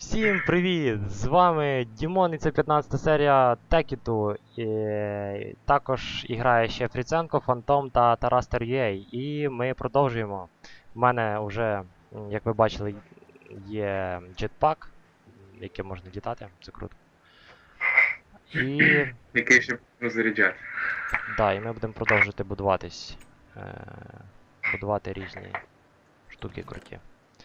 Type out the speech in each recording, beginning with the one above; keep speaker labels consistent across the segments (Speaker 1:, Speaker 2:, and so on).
Speaker 1: Всім привіт! З вами Дімон і це 15 серія Текіту. І також грає ще Фріценко, Фантом та Тарас Тер'єй. І ми продовжуємо. У мене вже, як ви бачили, є джетпак, яким можна літати, це круто. І...
Speaker 2: Який ще заряджати.
Speaker 1: Да, і ми будемо продовжувати будуватись. Будувати різні штуки круті.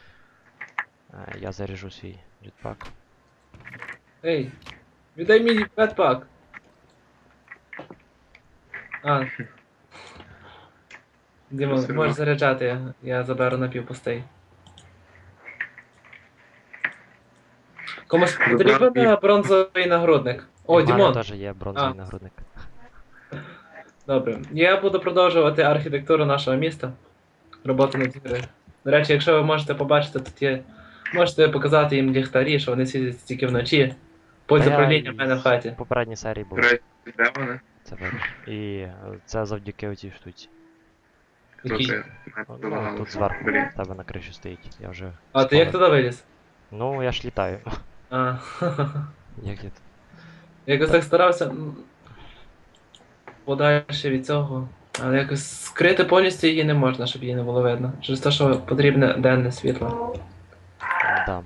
Speaker 1: Я заряжу свій джетпак.
Speaker 3: Ей, віддай мій бетпак. А. Дімон,
Speaker 2: Все
Speaker 3: можеш
Speaker 2: одно.
Speaker 3: заряджати, я заберу напівпустий. Комусь потрібен бронзовий нагрудник. О,
Speaker 1: У мене
Speaker 3: Дімон!
Speaker 1: теж є бронзовий
Speaker 3: А.
Speaker 1: нагрудник.
Speaker 3: Добре. Я буду продовжувати архітектуру нашого міста. Роботу над гри. До речі, якщо ви можете побачити, тут є. Можете показати їм ліхтарі, що вони світять тільки вночі. Пульт
Speaker 1: Та я
Speaker 3: управління в
Speaker 1: із
Speaker 3: мене в хаті.
Speaker 1: попередній серії було.
Speaker 2: Речі, де вони?
Speaker 1: Це видно. І це завдяки оцій штуці.
Speaker 2: Хто
Speaker 3: Який?
Speaker 2: це?
Speaker 1: Ну, тут зверху
Speaker 2: Блін.
Speaker 1: в тебе на криші стоїть. Я вже.
Speaker 3: А ти як
Speaker 1: спалив.
Speaker 3: туди виліз?
Speaker 1: Ну, я ж літаю.
Speaker 3: А,
Speaker 1: Як я тут?
Speaker 3: якось так старався подальше від цього. Але якось скрити повністю її не можна, щоб її не було видно. Через те, що потрібне денне світло.
Speaker 1: Да.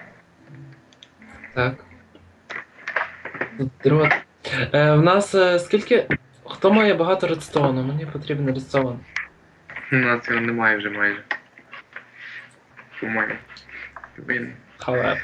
Speaker 3: Так. Тут дрот. В нас скільки. Хто має багато редстоуну? Мені потрібен редстоун.
Speaker 2: У нас його немає вже майже. По-моєму. Він.
Speaker 3: However.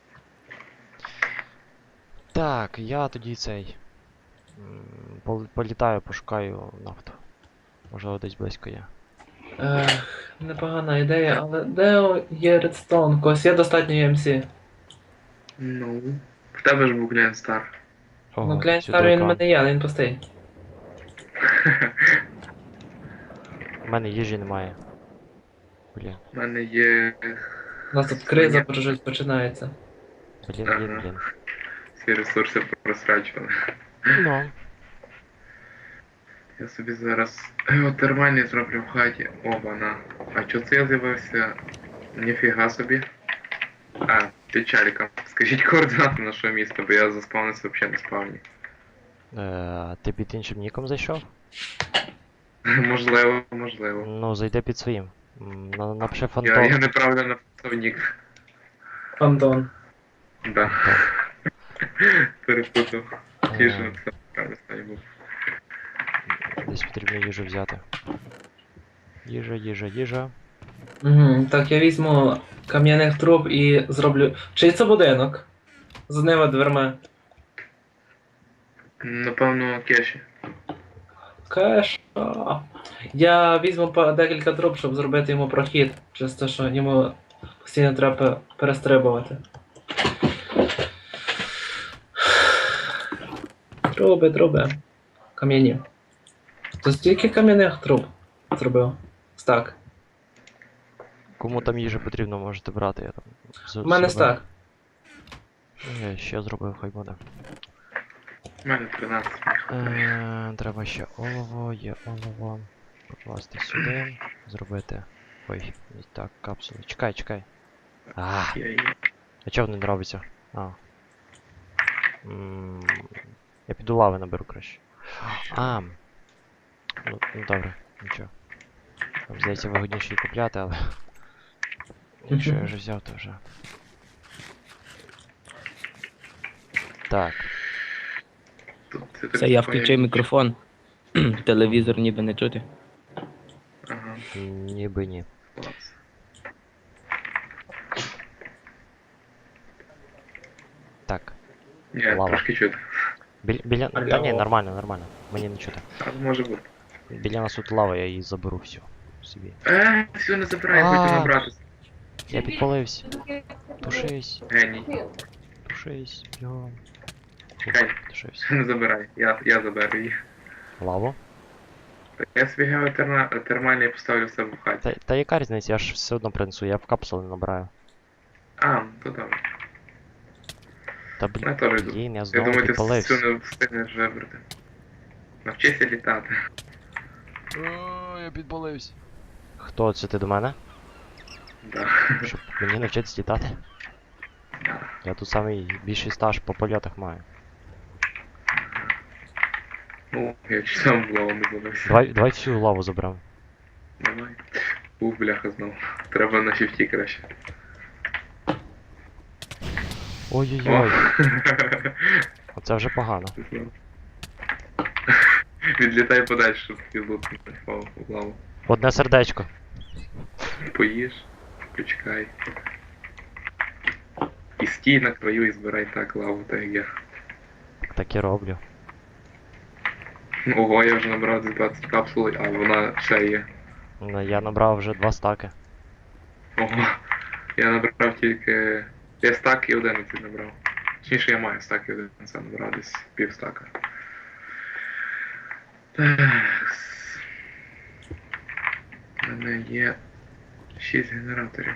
Speaker 1: Так, я тоді цей. Політаю, пошукаю нафту. Можливо, десь близько є.
Speaker 3: Непогана ідея, але де є редстоун? Когось є достатньо EMC?
Speaker 2: Ну. В тебе ж був Глен Стар.
Speaker 1: Ого,
Speaker 3: Ну, клянь
Speaker 1: сюди
Speaker 3: старий він в
Speaker 1: екран.
Speaker 3: мене є, але він пустий.
Speaker 1: У мене їжі немає. Блін,
Speaker 2: У мене є.
Speaker 3: У нас тут криза вже починається.
Speaker 1: блін.
Speaker 2: Всі ресурси просрачували.
Speaker 1: Ну,
Speaker 2: Я собі зараз геотермальний зроблю в хаті. Оба-на. А чого це я з'явився? Ніфіга собі. А, під чаліком. Скажіть координати нашого міста, бо я заспавнився взагалі на спавні.
Speaker 1: ти під іншим ніком зайшов?
Speaker 2: Можливо, можливо.
Speaker 1: Ну, зайди під своїм. Напиши Фантом.
Speaker 2: Я неправильно написав нік.
Speaker 3: Фантон.
Speaker 2: Да. Перепутав. Ті ж
Speaker 1: Е.
Speaker 2: написав правильно стані був.
Speaker 1: Десь потрібно їжу взяти. Їжа.
Speaker 3: Угу. Так, я візьму кам'яних труб і зроблю. Чий це будинок? З одними дверми.
Speaker 2: Напевно, кеші.
Speaker 3: Кеша. Я візьму декілька труб, щоб зробити йому прохід. Через те, що йому постійно треба перестрибувати. Труби. Кам'яні. То стільки кам'яних труб зробив? Стак.
Speaker 1: Кому там їжа потрібно, можете брати. Я там
Speaker 3: У мене
Speaker 1: зробив.
Speaker 3: стак.
Speaker 1: Я ще зробив, хай буде.
Speaker 2: У мене 13.
Speaker 1: Треба ще олово, є олово. Покласти сюди. Зробити. Ой, не так, капсулу. Чекай. А чого не робиться? Я піду лави наберу краще. Ну добре, нічого. Там, здається, вигодніше її купляти, але. Якщо я вже взяв, то вже. Так.
Speaker 2: Тут
Speaker 4: Це я включив мікрофон. Телевізор ніби не чути.
Speaker 2: Ага,
Speaker 1: Ніби ні.
Speaker 2: клас.
Speaker 1: Так.
Speaker 2: Ні,
Speaker 1: Лава.
Speaker 2: трошки чути.
Speaker 1: Біля. Та ні, нормально. Мені не чути.
Speaker 2: А може бути.
Speaker 1: Біля нас тут лава, я її заберу всю. Собі.
Speaker 2: Все не забирай,
Speaker 1: А.
Speaker 2: хочу набратися.
Speaker 1: Я підпалився. Тушись.
Speaker 2: Геній.
Speaker 1: Бігом.
Speaker 2: Чекай,
Speaker 1: Тушись.
Speaker 2: не забирай, я заберу її.
Speaker 1: Лаву?
Speaker 2: Я собі геотермальний поставлю в себе в хаті.
Speaker 1: Та яка різниця, я ж все одно принесу, я в капсули набираю.
Speaker 2: А, то добре.
Speaker 1: Та
Speaker 2: Я теж йду.
Speaker 1: блін, я
Speaker 2: Я
Speaker 1: знову
Speaker 2: думаю, ти
Speaker 1: підпалився.
Speaker 2: все не встигнеш вибрати. Навчися літати.
Speaker 1: Я підпалився. Хто це ти до мене?
Speaker 2: Да.
Speaker 1: Щоб мені навчитися літати?
Speaker 2: Да.
Speaker 1: Я тут самий більший стаж по польотах маю.
Speaker 2: Ну, я чуть сам в лаву не забився.
Speaker 1: Давай всю лаву заберемо.
Speaker 2: Давай. Ух, бляха знов. Треба на шифті краще.
Speaker 1: Ой-ой-ой, оце вже погано.
Speaker 2: Знов. Відлітай подальше, щоб фізлут не впав в лаву.
Speaker 1: Одне сердечко.
Speaker 2: Поїж, почекай. І стій на краю і збирай так лаву, так як я.
Speaker 1: Так і роблю.
Speaker 2: Ого, я вже набрав десь 20 капсул, а вона ще є.
Speaker 1: Ну, я набрав вже 2 стаки.
Speaker 2: Ого, я набрав тільки... Я стак і 11 набрав. Точніше, я маю стак і 11 набрав, десь пів стака. Такс. У мене є 6 генераторів.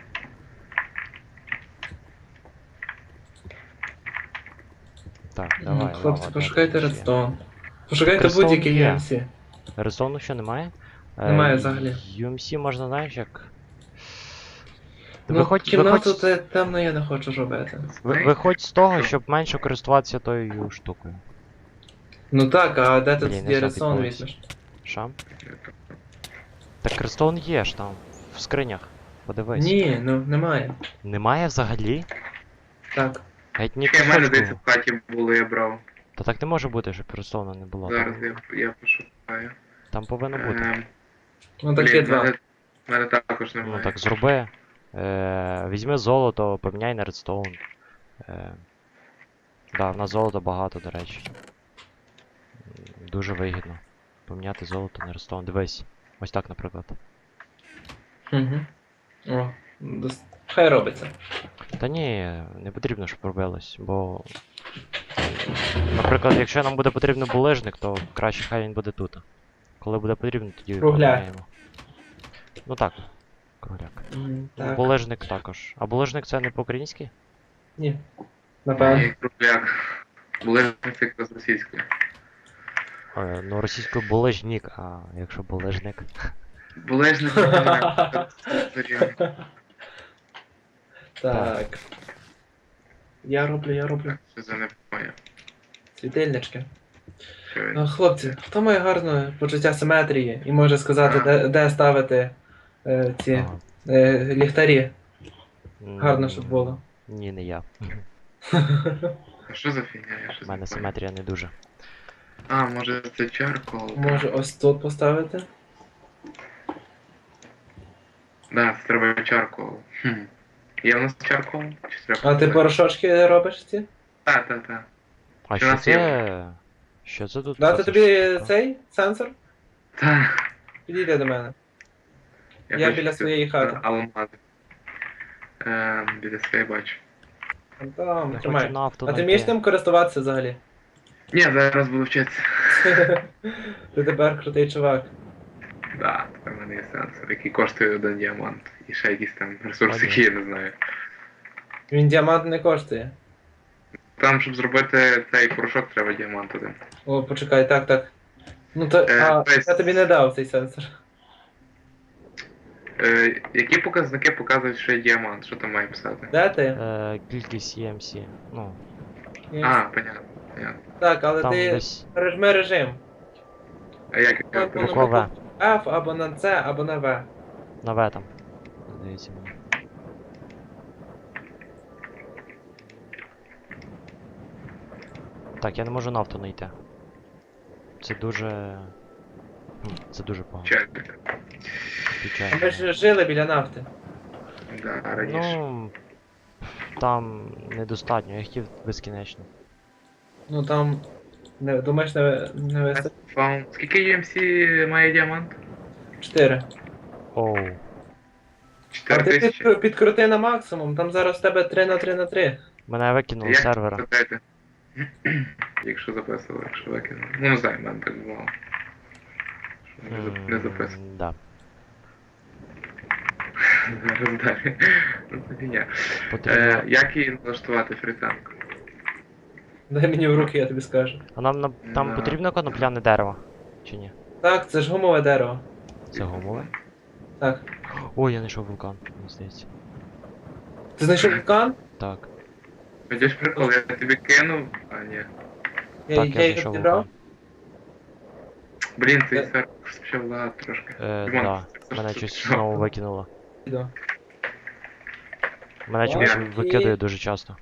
Speaker 1: Так, давай.
Speaker 3: Хлопці,
Speaker 1: лава,
Speaker 3: пошукайте
Speaker 1: далі ще.
Speaker 3: редстоун. Пошукайте
Speaker 1: Редстоун
Speaker 3: будь-який
Speaker 1: є.
Speaker 3: UMC.
Speaker 1: Резону ще немає?
Speaker 3: Немає взагалі.
Speaker 1: UMC можна, знаєш, як.
Speaker 3: Ну, кімнату темно я не хочу робити.
Speaker 1: Виходь з того, щоб менше користуватися тою штукою.
Speaker 3: Ну так, а де ти
Speaker 1: Блін,
Speaker 3: тоді
Speaker 1: не
Speaker 3: редстоун
Speaker 1: забігайся.
Speaker 3: візьмеш?
Speaker 1: Шам? Так Крестон є ж там, в скринях. Подивись.
Speaker 3: Ні, ну немає.
Speaker 1: Немає взагалі?
Speaker 3: Так.
Speaker 1: Геть ні
Speaker 2: Ще в мене десь
Speaker 1: кусочку.
Speaker 2: в хаті було, я брав.
Speaker 1: Та так не може бути, щоб Крестона не було.
Speaker 2: Зараз
Speaker 1: Там,
Speaker 2: я пошукаю.
Speaker 1: там повинно бути.
Speaker 3: Ну так є
Speaker 2: Блін,
Speaker 3: два.
Speaker 2: в мене також
Speaker 1: Ну
Speaker 2: немає.
Speaker 1: так зроби. Візьми золото, поміняй на редстоун. Да, в нас золота багато, до речі. Дуже вигідно. Поміняти золото на редстоун. Дивись. Ось так, наприклад.
Speaker 3: Угу. О, хай робиться.
Speaker 1: Та ні, не потрібно, щоб робилось, бо. Наприклад, якщо нам буде потрібен булежник, то краще хай він буде тут. Коли буде потрібно, тоді
Speaker 3: Кругляк.
Speaker 1: поміняємо. Ну так, кругляк. Ну,
Speaker 3: Так.
Speaker 1: булежник також. А булежник це не по-українськи?
Speaker 3: Ні. Напевно.
Speaker 2: Ні, кругляк. Були це якраз російською.
Speaker 1: Ну, російською булежник, а якщо булежник.
Speaker 2: Були ж не
Speaker 3: Так. Я роблю.
Speaker 2: Що за не поняв.
Speaker 3: Світильнички.
Speaker 2: Що він?
Speaker 3: Ну, хлопці, хто має гарне почуття симетрії і може сказати, де ставити ці
Speaker 1: Ага.
Speaker 3: ліхтарі?
Speaker 1: М,
Speaker 3: Гарно, щоб було.
Speaker 1: Ні, не я.
Speaker 2: А що за фігня? Я
Speaker 1: У
Speaker 2: щось
Speaker 1: мене
Speaker 2: не поняв.
Speaker 1: симетрія не дуже.
Speaker 2: А, може це чаркол?
Speaker 3: Може ось тут поставити?
Speaker 2: Да, це треба чаркол. Є в нас чаркол? Чи треба?
Speaker 3: А ти порошочки робиш ці?
Speaker 2: Та.
Speaker 1: А
Speaker 2: Що
Speaker 1: що
Speaker 2: нас
Speaker 1: це? Що це тут?
Speaker 3: Дати
Speaker 1: за
Speaker 3: тобі
Speaker 1: штука?
Speaker 3: цей сенсор?
Speaker 2: Та.
Speaker 3: Підійди до мене. Я
Speaker 2: хочу
Speaker 3: біля
Speaker 2: це-
Speaker 3: своєї хати.
Speaker 2: Алмази. Біля своєї бачу.
Speaker 3: Там,
Speaker 1: Я
Speaker 3: тримай.
Speaker 1: хочу нафту
Speaker 3: А ти
Speaker 1: знайти.
Speaker 3: вмієш ним користуватися взагалі?
Speaker 2: Ні, зараз буду вчитися.
Speaker 3: Ти тепер крутий чувак.
Speaker 2: Да, тепер в мене є сенсор, який коштує 1 діамант. І ще якісь там ресурси,
Speaker 1: Ладно.
Speaker 2: які я не знаю.
Speaker 3: Він діамант не коштує.
Speaker 2: Там, щоб зробити цей порошок, треба діамант один.
Speaker 3: О, почекай, так. Ну то.
Speaker 2: тобто-
Speaker 3: Я тобі не дав цей сенсор.
Speaker 2: Які показники показують, що є діамант? Що там має писати?
Speaker 3: Де ти?
Speaker 1: Кількість EMC. Ну,
Speaker 2: А, понятно.
Speaker 3: Так, але
Speaker 1: там
Speaker 3: ти
Speaker 1: десь
Speaker 3: пережми режим.
Speaker 2: А як я
Speaker 3: Воно
Speaker 2: перейшов?
Speaker 1: буква В.
Speaker 3: F або на C, або на V.
Speaker 1: На В там. Здається мені. Так, я не можу нафту знайти. Це дуже. Це дуже погано.
Speaker 2: Чайник.
Speaker 1: Печально.
Speaker 3: А ми ж жили біля нафти.
Speaker 2: Да, раніше.
Speaker 1: Ну. Там недостатньо, я хотів безкінечно.
Speaker 3: Ну там. Думаєш, не вистачить?
Speaker 2: Фаун. Скільки UMC має діамант?
Speaker 3: 4.
Speaker 1: Оу.
Speaker 3: А
Speaker 2: 4
Speaker 3: ти
Speaker 2: тисячі.
Speaker 3: підкрути на максимум, там зараз в тебе 3×3×3.
Speaker 1: Мене викинули з
Speaker 2: Як
Speaker 1: сервера.
Speaker 2: запитати? Якщо записували, якщо викинули. Ну, не знаю, в мене так бувало. Що не записували.
Speaker 1: Да.
Speaker 2: Зараз далі. Ну, це фігня.
Speaker 1: Потрібно.
Speaker 2: Як її налаштувати фрітанку?
Speaker 3: Дай мені в руки, я тобі скажу.
Speaker 1: А нам там
Speaker 2: Да.
Speaker 1: потрібно конопляне дерево? Чи ні?
Speaker 3: Так, це ж гумове дерево.
Speaker 1: Це гумове?
Speaker 3: Так.
Speaker 1: Ой, я знайшов вулкан, мені здається.
Speaker 3: Ти знайшов вулкан?
Speaker 1: Так.
Speaker 2: Хочеш прикол, я тобі кинув, а ні.
Speaker 3: Я
Speaker 1: Так, я
Speaker 3: їх
Speaker 1: зайшов в
Speaker 3: відібрав?
Speaker 1: вулкан.
Speaker 2: Блін, цей сервер спочав лагати трошки. Дімон,
Speaker 1: Да.
Speaker 2: це
Speaker 1: Мене
Speaker 2: що
Speaker 1: щось
Speaker 2: ти
Speaker 1: знову
Speaker 2: що?
Speaker 1: викинуло.
Speaker 3: Іду.
Speaker 1: Мене чомусь
Speaker 3: Окей.
Speaker 1: викидає дуже часто.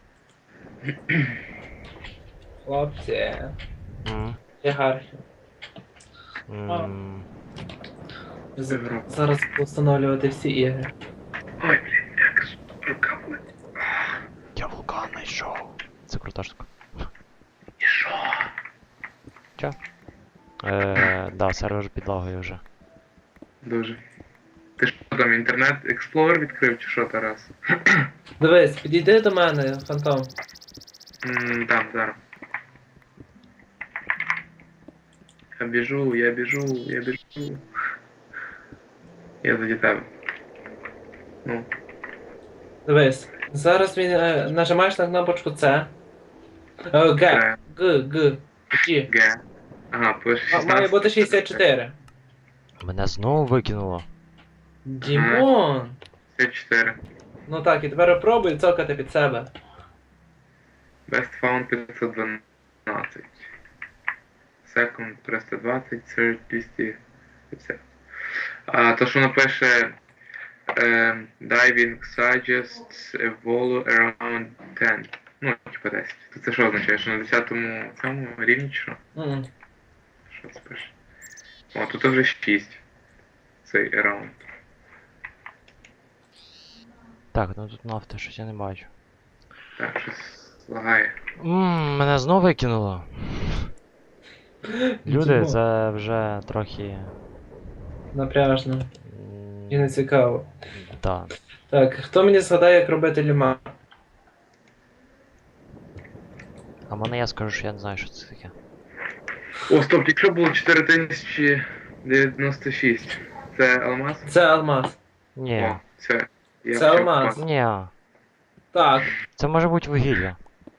Speaker 3: Хлопці.
Speaker 1: М.
Speaker 3: Ієрархія.
Speaker 1: М.
Speaker 3: Зараз буду встановлювати всі ігри.
Speaker 2: Ой, блін, як ж рука болить.
Speaker 1: Я вулкан знайшов. Це крута штука.
Speaker 2: І що?
Speaker 1: Да, сервер підлагою вже.
Speaker 2: Дуже. Ти що там, інтернет Explorer відкрив чи що, Тарас?
Speaker 3: Дивись, підійди до мене, фантом.
Speaker 2: Там, зараз. Я біжу. Я заді тебе. Ну,
Speaker 3: Дивись. Зараз він нажимаєш на кнопочку С. Г.
Speaker 2: це
Speaker 3: Г. G.
Speaker 2: Г. Ага, пише 16.
Speaker 3: Має бути 64.
Speaker 1: Мене знову викинуло.
Speaker 3: Дімон!
Speaker 2: 64.
Speaker 3: Ну так, і тепер пробуй цокати під себе.
Speaker 2: Best found 512. Second 320, third 250. А то, що напише diving suggests a value around 10. Ну, типа 10. То це що означає? Що на 10-му цьому рівні чи що?
Speaker 3: Мгм.
Speaker 2: Що це пише? О, тут вже 6. Цей around.
Speaker 1: Так, ну тут нафти, щось я не бачу.
Speaker 2: Так, щось лагає.
Speaker 1: Мене знову викинуло. Люди,
Speaker 3: Дімон.
Speaker 1: це вже трохи.
Speaker 3: Напряжно. І не цікаво.
Speaker 1: Да.
Speaker 3: Так, хто мені згадає, як робити ліма?
Speaker 1: А мене я скажу, що я не знаю, що це таке.
Speaker 2: О, стоп, якщо було 4096. Це алмаз?
Speaker 1: Е.
Speaker 3: Це алмаз.
Speaker 1: Ні.
Speaker 2: О, це. Я
Speaker 3: Це
Speaker 2: почав
Speaker 3: алмаз.
Speaker 2: впасти.
Speaker 1: Ні.
Speaker 3: Так.
Speaker 1: Це може бути вугілля.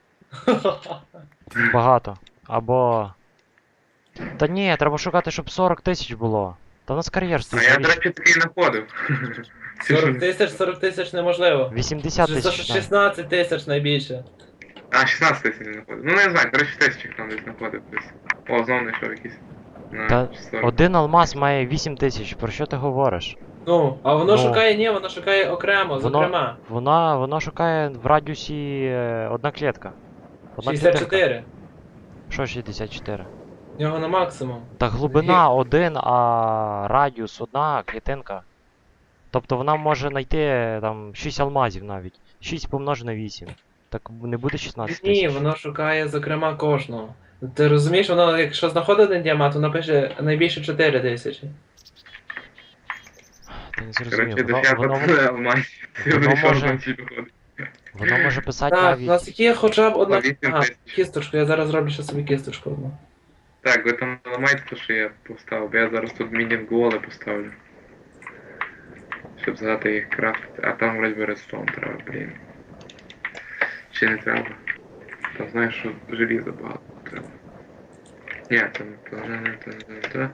Speaker 1: Багато. Або. Та ні, треба шукати, щоб 40 тисяч було. Та в нас кар'єр
Speaker 2: А
Speaker 1: стоїть.
Speaker 2: я, до речі, такий знаходив.
Speaker 3: 40 тисяч неможливо.
Speaker 1: 80 тисяч.
Speaker 3: 16 тисяч найбільше.
Speaker 2: А, 16 тисяч не знаходив. Ну, не знаю, коротше, тисячі там десь знаходив десь. О, знову знайшов якийсь. На
Speaker 1: Та
Speaker 2: 40.
Speaker 1: один алмаз має 8 тисяч, про що ти говориш?
Speaker 3: Ну, а воно
Speaker 1: Ну.
Speaker 3: шукає, ні, воно шукає окремо, зокрема.
Speaker 1: Воно шукає в радіусі одна клітка. Одна клітинка.
Speaker 3: 64.
Speaker 1: Що 64?
Speaker 3: В нього на максимум.
Speaker 1: Та глибина 1, а радіус одна клітинка. Тобто вона може знайти там 6 алмазів навіть. 6 помножено на 8. Так не буде 16 тисяч.
Speaker 3: Ні, воно шукає, зокрема, кожного. Ти розумієш, воно, якщо знаходить один діамант, воно пише найбільше 4 тисячі.
Speaker 1: Ти не зрозумів.
Speaker 2: Коротше,
Speaker 1: Воно,
Speaker 2: дох'я
Speaker 1: воно,
Speaker 2: алмазів.
Speaker 1: воно
Speaker 2: Вийшов
Speaker 1: може-
Speaker 2: там ці виходить.
Speaker 1: воно може писати
Speaker 3: Так, у
Speaker 1: навіть.
Speaker 3: нас є хоча б одна.
Speaker 2: 8
Speaker 3: Ага,
Speaker 2: тисяч.
Speaker 3: кісточку, я зараз зроблю ще собі кісточку одну.
Speaker 2: Так, ви там не ламайте те, що я поставив, бо я зараз тут мінінг-воли поставлю. Щоб згадати їх крафтити. А там вроді би редстоун треба, блін. Чи не треба? Там знаєш, що желіза багато треба. Ні, це не то, не то.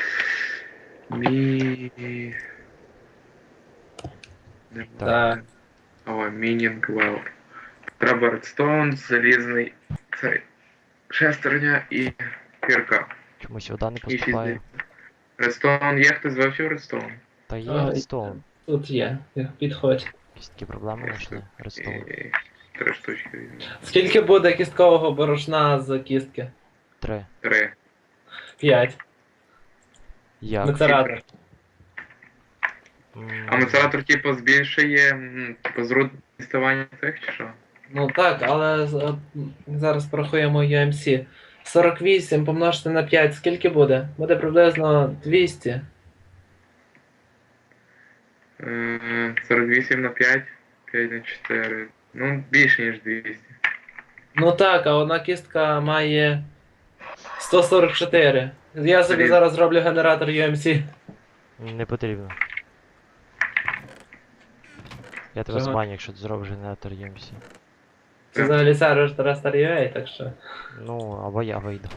Speaker 3: Так.
Speaker 2: О, мінінг вел. Треба редстоун, залізний цей. Шестерня і кірка.
Speaker 1: Чомусь вода не
Speaker 2: І 6
Speaker 1: поступає.
Speaker 2: Редстоун є, хтось вивчив редстоун?
Speaker 1: Та є
Speaker 3: А,
Speaker 1: редстоун.
Speaker 3: Тут є, підходь.
Speaker 1: Якісь такі проблеми знайшли. Редстоун.
Speaker 2: І 3 штучки візьму.
Speaker 3: Скільки буде кісткового борошна з кістки?
Speaker 1: 3.
Speaker 2: 3.
Speaker 3: 5.
Speaker 1: Як?
Speaker 3: Мецератор.
Speaker 2: А мецератор типу збільшує типу зруд діставання цих чи що?
Speaker 3: Ну так, але зараз порахуємо UMC. 48 помножити на 5, скільки буде? Буде приблизно 200.
Speaker 2: 48 на 5, 5 на 4. Ну, більше ніж 200.
Speaker 3: Ну так, а одна кістка має 144. Я собі
Speaker 2: Блін.
Speaker 3: зараз зроблю генератор UMC.
Speaker 1: Не потрібно. Я тебе
Speaker 3: Чого?
Speaker 1: збаню, якщо ти зробиш генератор EMC.
Speaker 3: Це взагалі сервер Terraria, так що.
Speaker 1: Ну, або я вийду.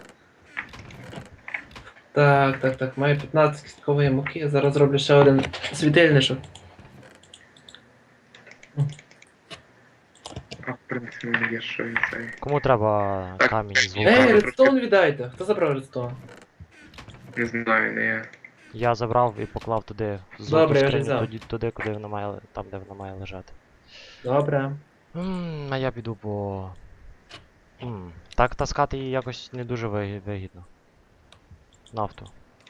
Speaker 3: Так, маю 15 кісткової муки, зараз зроблю ще один світильничок.
Speaker 2: А в принципі в мене є що і цей.
Speaker 1: Кому треба
Speaker 2: Так,
Speaker 1: камінь з
Speaker 2: Ей,
Speaker 1: вулкану?
Speaker 3: редстоун віддайте. Хто забрав редстоун?
Speaker 2: Не знаю, не я.
Speaker 1: Я забрав і поклав туди в золоту
Speaker 3: Добре, я вже
Speaker 1: скриню,
Speaker 3: взяв.
Speaker 1: туди, куди вона має, там, де вона має лежати.
Speaker 3: Добре.
Speaker 1: А я піду по... Так таскати її якось не дуже вигідно. Нафту.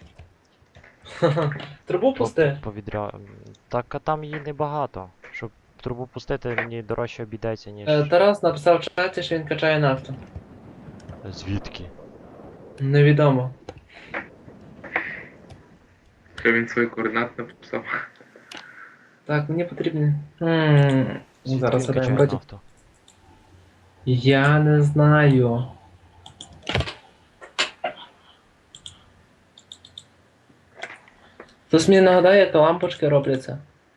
Speaker 3: Трубу пусти.
Speaker 1: Так, а там її небагато. Щоб трубу пустити, мені дорожче обійдеться, ніж...
Speaker 3: Тарас написав в чаті, що він качає нафту.
Speaker 1: Звідки?
Speaker 3: Невідомо.
Speaker 2: Що він свої координати написав.
Speaker 3: Так, мені потрібні.
Speaker 1: Звідки
Speaker 3: Зараз
Speaker 1: він
Speaker 3: я
Speaker 1: качає
Speaker 3: вроді.
Speaker 1: нафту?
Speaker 3: Я не знаю. Хтось мені нагадає, як лампочки робляться.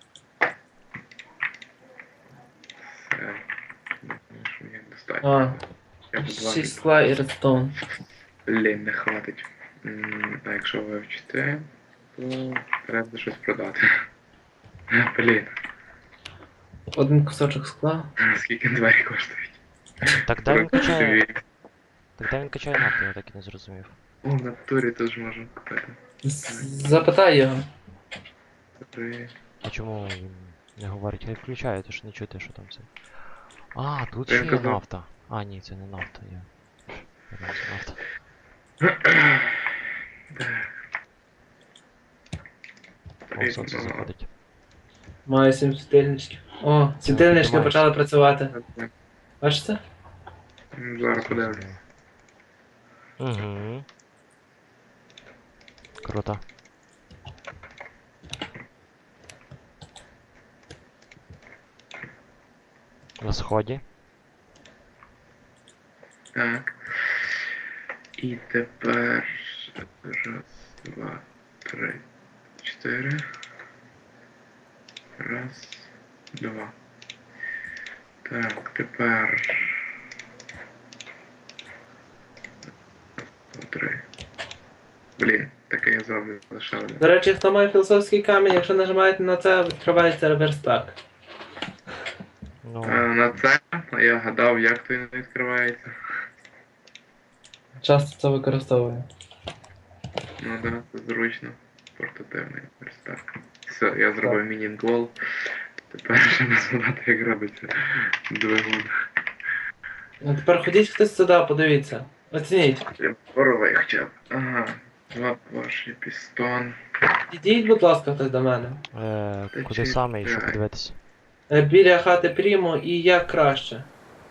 Speaker 2: Все. Думаю, що мені достатньо.
Speaker 3: А,
Speaker 2: Я б
Speaker 3: 6 скла і редстоун.
Speaker 2: Блін, не хватить. А якщо вивчити, то треба щось продати. Блін,
Speaker 3: Один кусочок скла.
Speaker 2: скільки двері коштують?
Speaker 1: Так де він качає?
Speaker 2: Дві.
Speaker 1: Так де він качає нафту, я так і не зрозумів.
Speaker 2: О, на турі теж можна купити.
Speaker 3: Запитай його.
Speaker 2: Три.
Speaker 1: А чому він не говорить? Хай включає, то ж не чути, що там це. А, тут
Speaker 2: Я
Speaker 1: ще є
Speaker 2: казав.
Speaker 1: нафта. А, ні, це не нафта, я. Думав, це нафта. О, сонце заходить.
Speaker 3: Маю 7 світильничків. О, світильнички
Speaker 1: маєш.
Speaker 3: почали працювати. Бачите?
Speaker 2: Зараз подивлюсь.
Speaker 1: Угу. Круто. На сході.
Speaker 2: Так. І тепер. Раз, два, три, чотири. Раз, два. Так, тепер. Три. Блін, таке я зроблю лише один.
Speaker 3: До речі, хто має філософський камінь, якщо нажимаєте на це, відкривається реверстак.
Speaker 1: Ну,
Speaker 2: На це я гадав, як то він відкривається.
Speaker 3: Часто це використовую.
Speaker 2: Ну да, це зручно. Портативний верстак. Все, я зробив міні-гол. Тепер ще не згадати, як робиться двигун.
Speaker 3: А тепер ходіть хтось сюди, подивіться. Оцініть.
Speaker 2: Я боровий хоча б. Ага. Два поршні, пістон.
Speaker 3: Ідіть, будь ласка, хтось до мене.
Speaker 1: куди саме і що
Speaker 2: чекай.
Speaker 1: подивитись?
Speaker 3: Біля хати Прімо і як краще.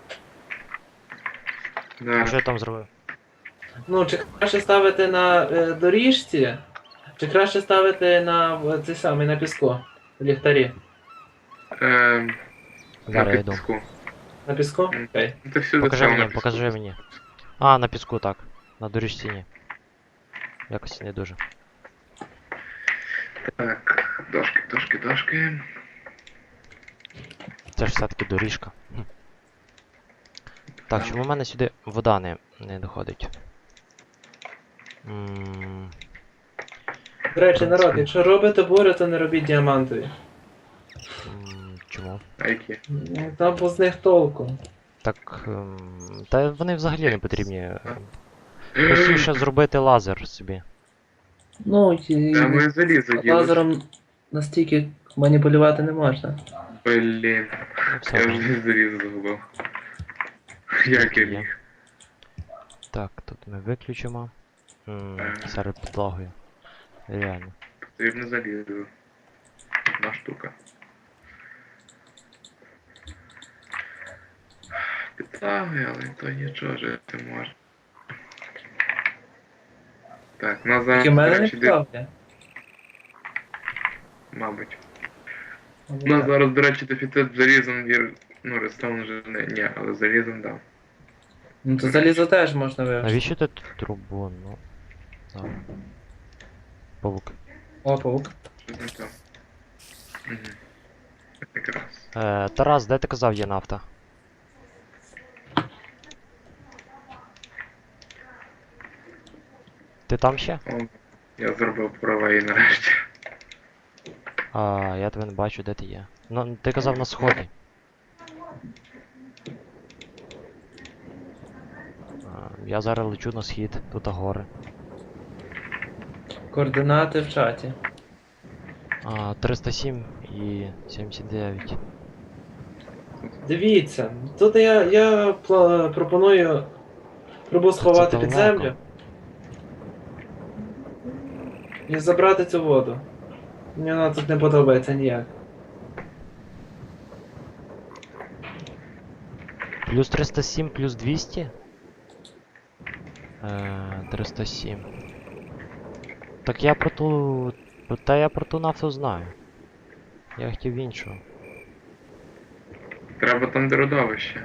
Speaker 1: А що
Speaker 2: Да.
Speaker 1: я там зробив?
Speaker 3: Ну, чи краще ставити на доріжці, чи краще ставити на цей самий на піску, в ліхтарі.
Speaker 2: На
Speaker 1: Зараз я йду.
Speaker 2: піску.
Speaker 3: На піску? Окей.
Speaker 2: Це всюди
Speaker 1: Покажи
Speaker 2: саме на
Speaker 1: мені,
Speaker 2: піску.
Speaker 1: покажи мені. А, на піску, так. На доріжці ні. Якось не дуже.
Speaker 2: Так, дошки.
Speaker 1: Це ж все-таки доріжка. Так, чому в мене сюди вода не доходить?
Speaker 3: До речі, народ, якщо робите бури, то не робіть діамантові.
Speaker 1: Чому?
Speaker 2: А які?
Speaker 3: Там бо з них толку.
Speaker 1: Так, та вони взагалі не потрібні. Простіше зробити лазер собі.
Speaker 3: Ну, і
Speaker 2: Та ми залізо ділиш.
Speaker 3: лазером настільки маніпулювати не можна.
Speaker 2: Блін.
Speaker 1: Ну, все
Speaker 2: Я
Speaker 1: одно.
Speaker 2: вже залізо загубив. Як я
Speaker 1: Є.
Speaker 2: міг?
Speaker 1: Так, тут ми виключимо. Серед підлогою. Реально.
Speaker 2: Потрібно залізо. Одна штука. Підлаги, але то нічого жити можна. Так, у нас зараз,
Speaker 3: Тільки в мене
Speaker 2: до
Speaker 3: не
Speaker 2: речі,
Speaker 3: підставки.
Speaker 2: мабуть. У нас зараз, до речі, дефіцит залізом ну, рестаун вже ні, але залізом дав.
Speaker 3: Ну то залізо теж можна вивести.
Speaker 1: Навіщо ти тут трубу? Ну. Зараз. Павук.
Speaker 3: О, паук.
Speaker 2: Щось не то. Угу. Якраз.
Speaker 1: Тарас, де ти казав є нафта? Ти там ще?
Speaker 2: О, я зробив права і нарешті.
Speaker 1: А, я тебе не бачу, де ти є. Ну, ти казав на сході. Я зараз лечу на схід, тут гори.
Speaker 3: Координати в чаті.
Speaker 1: 307 і 79.
Speaker 3: Дивіться, тут я пропоную трубу сховати під
Speaker 1: далеко.
Speaker 3: землю. І забрати цю воду. Мені вона тут не подобається ніяк.
Speaker 1: Плюс 307, плюс 200? 307. Так я про ту... Та я про ту нафту знаю. Я хотів іншу.
Speaker 2: Треба там де родовище.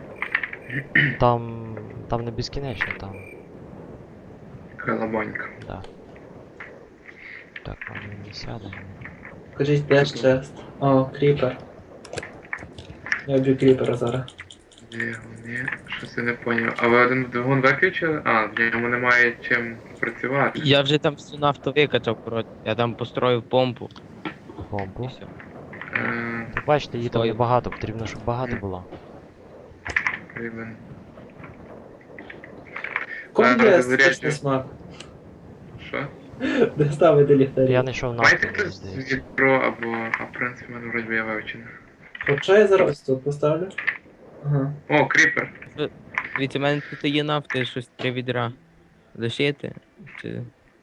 Speaker 1: Там не безкінечно, там.
Speaker 2: Колобонька.
Speaker 1: Да. Так, може не сядемо.
Speaker 3: Кажіть, де ж чест? О, кріпер. Я б'ю кріпера зараз.
Speaker 2: Ні, щось я не поняв. А ви один двигун виключили? А, в ньому немає чим працювати.
Speaker 4: Я вже там всю нафту викачав, коротше. Я там построїв помпу. І
Speaker 1: Помпу.
Speaker 4: все.
Speaker 1: Так бачите, її там
Speaker 4: Стою.
Speaker 1: небагато, потрібно, щоб багато було.
Speaker 2: Потрібен.
Speaker 3: Кому
Speaker 2: Зараз
Speaker 3: є
Speaker 2: заряджу.
Speaker 3: стичний смак?
Speaker 2: Що?
Speaker 3: Де ставити ліхтарі?
Speaker 1: Я знайшов
Speaker 2: Маєте
Speaker 1: нафту, мені
Speaker 2: хтось
Speaker 1: здається.
Speaker 2: відро або... А в принципі, в мене вроді я вивчений.
Speaker 3: Хоча я зараз тут поставлю. Ага.
Speaker 2: О, кріпер.
Speaker 4: Дивіться, в мене тут є нафти, щось 3 відра. Лишити? Чи...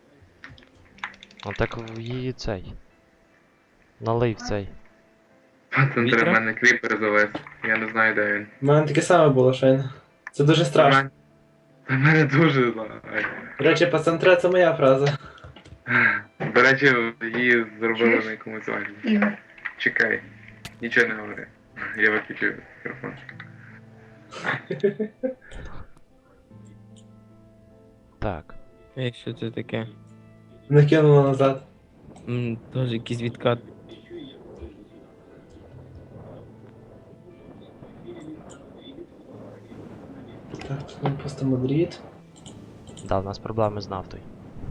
Speaker 1: А так в її цей. Налий в цей.
Speaker 2: Пацан
Speaker 4: Вітра?
Speaker 2: треба мене кріпер завести. Я не знаю, де він.
Speaker 3: У мене таке саме було щойно. Це дуже страшно.
Speaker 2: Та мене дуже лагає.
Speaker 3: До речі, пацантре це моя фраза.
Speaker 2: До речі, її зробили на якомусь вагі. Чекай. Нічого не говори. Я виключив мікрофон.
Speaker 1: Так.
Speaker 4: Ей, що це таке?
Speaker 3: Накинуло назад.
Speaker 4: Теж якийсь відкат.
Speaker 3: Так, тут ми пустимо дріт.
Speaker 1: Да, у нас проблеми з нафтою.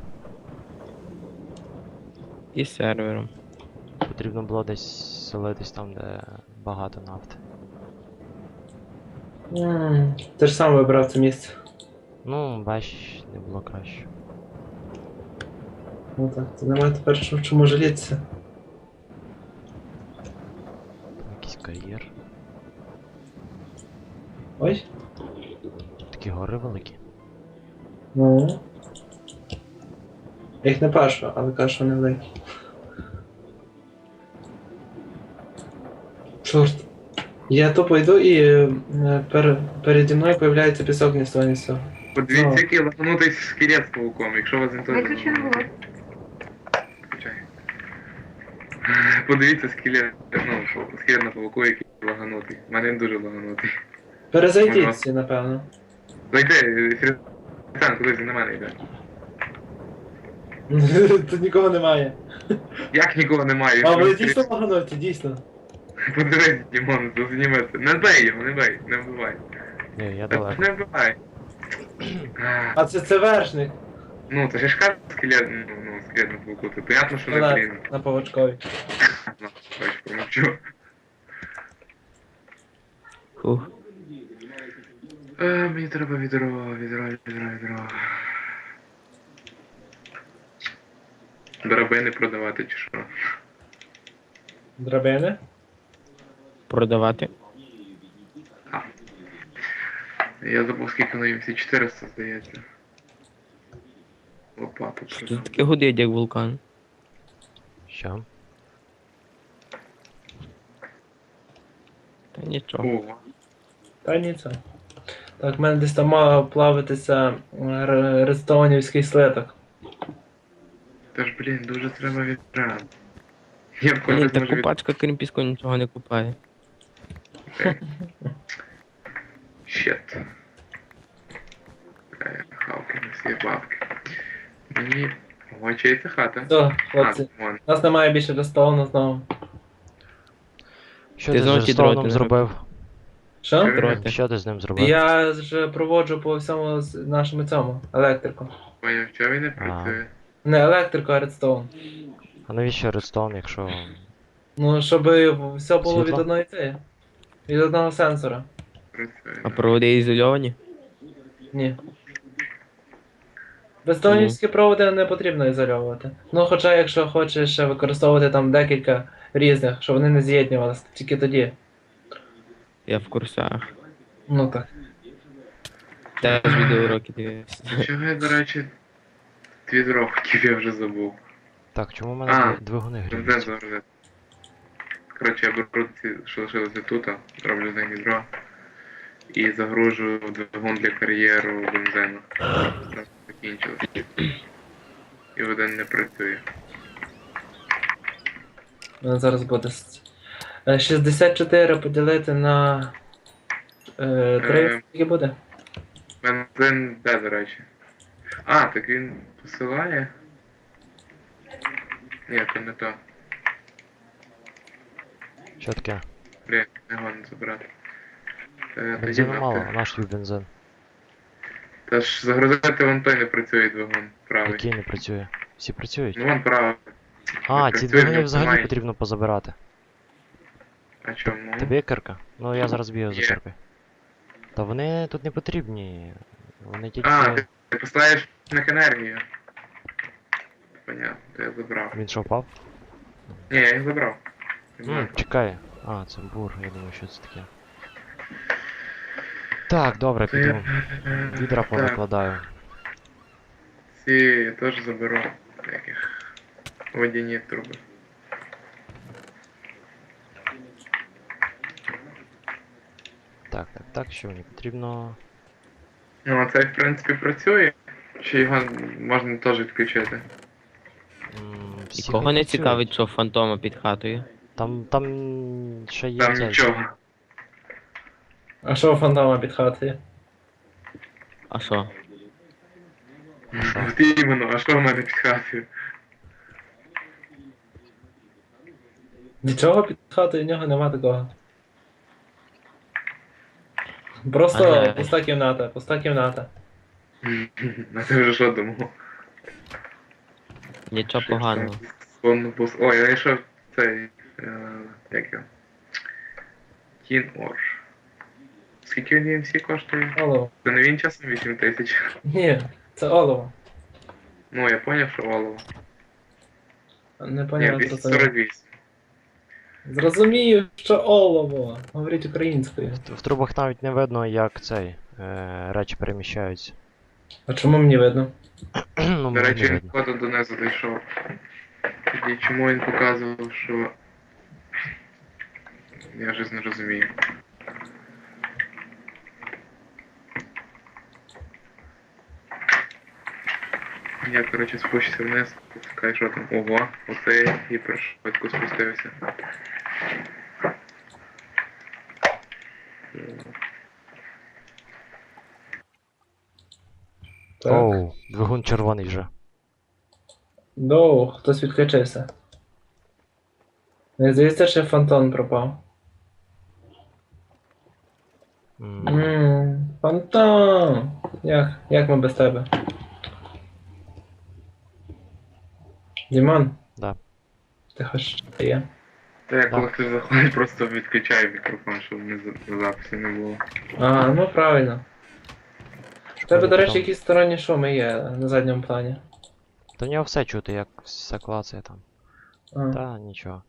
Speaker 4: І з сервером.
Speaker 1: Потрібно було десь селитись там, де багато нафти.
Speaker 3: Ти ж сам вибрав це місце.
Speaker 1: Ну, бач, не було краще.
Speaker 3: Ну так, це немає тепер чому жалітися.
Speaker 1: Там якийсь кар'єр.
Speaker 3: Ой.
Speaker 1: Такі гори великі.
Speaker 3: Ну. Я їх не бачу, але кажу, що не великі. Чорт. Я тупо йду і переді мною появляється пісок ні з того, ні з цього.
Speaker 2: Подивіться,
Speaker 3: Ну.
Speaker 2: який лагнутий скелет з пауком, якщо вас ніхто не
Speaker 5: Виключено було.
Speaker 2: Включай. Подивіться скелет, скелет на пауку, який лаганутий. У мене він дуже лаганутий.
Speaker 3: Перезайдіть
Speaker 2: Ага.
Speaker 3: всі, напевно.
Speaker 2: Зайди, Фрістан, кудись на мене йде.
Speaker 3: Тут нікого немає.
Speaker 2: Як нікого немає?
Speaker 3: А
Speaker 2: Він
Speaker 3: ви
Speaker 2: просто-
Speaker 3: дійсно лаганоті, дійсно.
Speaker 2: Подивись, Дімон, зніми це. Не бей його, не бей, не вбивай.
Speaker 1: Ні, я
Speaker 2: Та
Speaker 1: далеко.
Speaker 2: Не вбивай.
Speaker 3: А це вершник.
Speaker 2: Ну, це ж ж кажу скелет, скелет на пауку. Це понятно, що не блін.
Speaker 3: Скелет на павучкові.
Speaker 2: Ну, бач, промовчу.
Speaker 4: Фух.
Speaker 2: Мені треба відро. Драбини продавати чи що?
Speaker 3: Драбини.
Speaker 4: Продавати.
Speaker 2: Я забув, скільки на всі 400, здається. Лопату.
Speaker 4: Що тут таке гудить, як вулкан?
Speaker 1: Що?
Speaker 4: Та нічого.
Speaker 2: Ого.
Speaker 3: Та ні це. Так, в мене десь там мав плавитися редстоунівський слиток.
Speaker 2: Та ж, блін, дуже треба відра. Я б
Speaker 4: Ні,
Speaker 2: колись
Speaker 4: та
Speaker 2: може
Speaker 4: купачка крім піску нічого не купає.
Speaker 2: Щет. Хавки, на всі бабки. Мені... Ой, чия це хата?
Speaker 3: Все, хлопці.
Speaker 2: Вон.
Speaker 3: У нас немає більше редстоуну знову.
Speaker 1: Що
Speaker 4: Ти
Speaker 1: ти з
Speaker 4: знову ті
Speaker 1: Redstone'ом
Speaker 4: дроти не
Speaker 1: зробив?
Speaker 3: Що?
Speaker 4: Дроти.
Speaker 1: Що ти з ним зробив?
Speaker 3: Я ж проводжу по всьому нашому цьому електрику.
Speaker 2: Поняв, чого він не працює?
Speaker 3: Не електрику, а редстоун.
Speaker 1: А навіщо Redstone, якщо...
Speaker 3: Ну, щоб все було
Speaker 1: Світло?
Speaker 3: від одної цієї. Від одного сенсора.
Speaker 2: Працює.
Speaker 4: А проводи ізольовані?
Speaker 3: Ні. Бездонівські проводи не потрібно ізольовувати. Ну, хоча, якщо хочеш ще використовувати там декілька різних, щоб вони не з'єднувалися, тільки тоді.
Speaker 4: Я в курсах.
Speaker 3: Ну так.
Speaker 4: Теж відеоуроки дивився.
Speaker 2: Чого я, до речі, відро хотів, я вже забув.
Speaker 1: Так, чому в мене
Speaker 2: А,
Speaker 1: двигуни
Speaker 2: Бензин
Speaker 1: гріють?
Speaker 2: загрузити. Коротше, я беру ці, що лишилося тут, роблю з них відро. І загружую в двигун для кар'єру бензину. Нас закінчилось. І один не працює.
Speaker 3: Ну, зараз буде 64 поділити на 3, скільки буде?
Speaker 2: Бензин де, до речі? А, так він посилає? Ні, то не то.
Speaker 1: Що таке?
Speaker 2: Блін, не годно забрати. Тоді
Speaker 1: Бензину мало,
Speaker 2: нафиг.
Speaker 1: наш тобі бензин.
Speaker 2: Та ж загрузити вон той не працює двигун, правий.
Speaker 1: Який не працює. Всі працюють.
Speaker 2: Ну вон правий.
Speaker 1: А,
Speaker 2: не
Speaker 1: ці
Speaker 2: працює,
Speaker 1: двигуни
Speaker 2: не
Speaker 1: взагалі
Speaker 2: впливає.
Speaker 1: потрібно позабирати.
Speaker 2: А чому?
Speaker 1: Тобі є кирка? Ну я зараз бігаю за
Speaker 2: Є.
Speaker 1: киркою. Та вони тут не потрібні. Вони тільки.
Speaker 2: А, ти поставиш на енергію. Понятно, то я забрав.
Speaker 1: Він що впав?
Speaker 2: Ні, я їх забрав.
Speaker 1: Чекай. А, це бур, я думаю, що це таке. Так, добре,
Speaker 2: То
Speaker 1: піду.
Speaker 2: я...
Speaker 1: Відра
Speaker 2: Так,
Speaker 1: повикладаю.
Speaker 2: ці я теж заберу. Таких водяні труби.
Speaker 1: Так, що мені потрібно.
Speaker 2: Ну, а цей в принципі працює. Чи його можна теж відключити?
Speaker 1: Всі
Speaker 4: Нікого не
Speaker 1: працюють.
Speaker 4: цікавить, що фантома під хатою.
Speaker 1: Там ще є
Speaker 2: Там
Speaker 1: цей.
Speaker 2: нічого.
Speaker 3: А що у фантома під хатою?
Speaker 4: А що?
Speaker 2: От іменно, а що в мене під хатою?
Speaker 3: Нічого під хатою в нього нема такого. Просто
Speaker 4: Ага.
Speaker 3: пуста кімната, пуста кімната.
Speaker 2: А ти вже що думав?
Speaker 4: Нічого поганого.
Speaker 2: Ой, я знайшов цей. Як його? Тін Орш. Скільки він DMC коштує?
Speaker 3: Олово.
Speaker 2: Це не він часом 8 тисяч.
Speaker 3: Ні, це олово.
Speaker 2: Ну, я поняв, що олово.
Speaker 3: Не
Speaker 2: Ні,
Speaker 3: поняв, що це.
Speaker 2: 248.
Speaker 3: Зрозумію, що олово. Говоріть українською.
Speaker 1: В трубах навіть не видно, як цей. Речі переміщаються.
Speaker 3: А чому мені видно?
Speaker 1: Ну,
Speaker 2: До
Speaker 1: мені
Speaker 2: речі,
Speaker 1: не
Speaker 2: він
Speaker 1: видно.
Speaker 2: входу донизу дійшов. Тоді чому він показував, що... Я вже не розумію. Я, коротше, спущуся вниз, пускай, що там. Ого, оце гіпершвидко спустився.
Speaker 3: Так.
Speaker 1: Оу, двигун червоний вже.
Speaker 3: Доу, хтось відключився. Не здається, що фантон пропав. Фантон! Як ми без тебе? Дімон?
Speaker 1: Да.
Speaker 3: Ти хоч що є?
Speaker 2: Та я
Speaker 1: Так.
Speaker 2: коли хтось заходить, просто відключаю мікрофон, щоб не запису не було.
Speaker 3: А, ну правильно. У тебе, до речі,
Speaker 1: потім-
Speaker 3: якісь сторонні шуми є на задньому плані.
Speaker 1: Та в нього все чути, як все клацає там.
Speaker 3: А.
Speaker 1: Та нічого.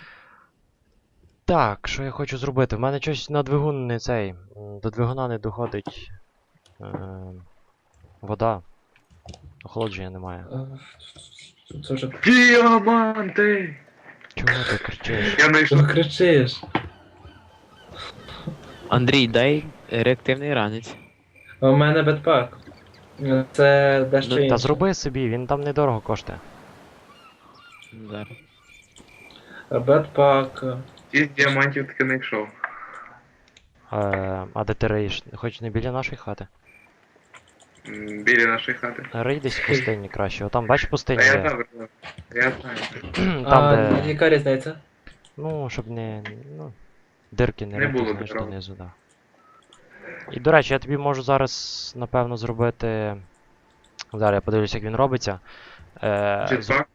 Speaker 1: Так, що я хочу зробити? В мене щось на двигун не цей. До двигуна не доходить. Вода. Охолодження немає.
Speaker 3: Це вже
Speaker 2: Діаманти!
Speaker 1: Чого ти кричиш?
Speaker 2: Я знайшов.
Speaker 3: що кричиш?
Speaker 4: Андрій, дай реактивний ранець.
Speaker 3: А у мене бетпак. Це дещо
Speaker 1: Ну, та
Speaker 3: інше.
Speaker 1: зроби собі, він там недорого коштує.
Speaker 4: Зараз.
Speaker 3: Бетпак.
Speaker 2: 6 діамантів таки знайшов.
Speaker 1: А де ти реїш? Хоч не біля нашої хати.
Speaker 2: Біля нашої хати.
Speaker 1: Рий десь в пустині краще. Отам, бач, пустиня
Speaker 2: А я
Speaker 1: є.
Speaker 2: добре, я знаю.
Speaker 1: Там,
Speaker 3: А
Speaker 1: де.
Speaker 3: яка різниця?
Speaker 1: Ну, щоб не. Ну, дирки не
Speaker 2: Не було
Speaker 1: рити, знаєш,
Speaker 2: дорог.
Speaker 1: донизу, да. І до речі, я тобі можу зараз, напевно, зробити. Зараз я подивлюсь, як він робиться.
Speaker 2: Jetpack?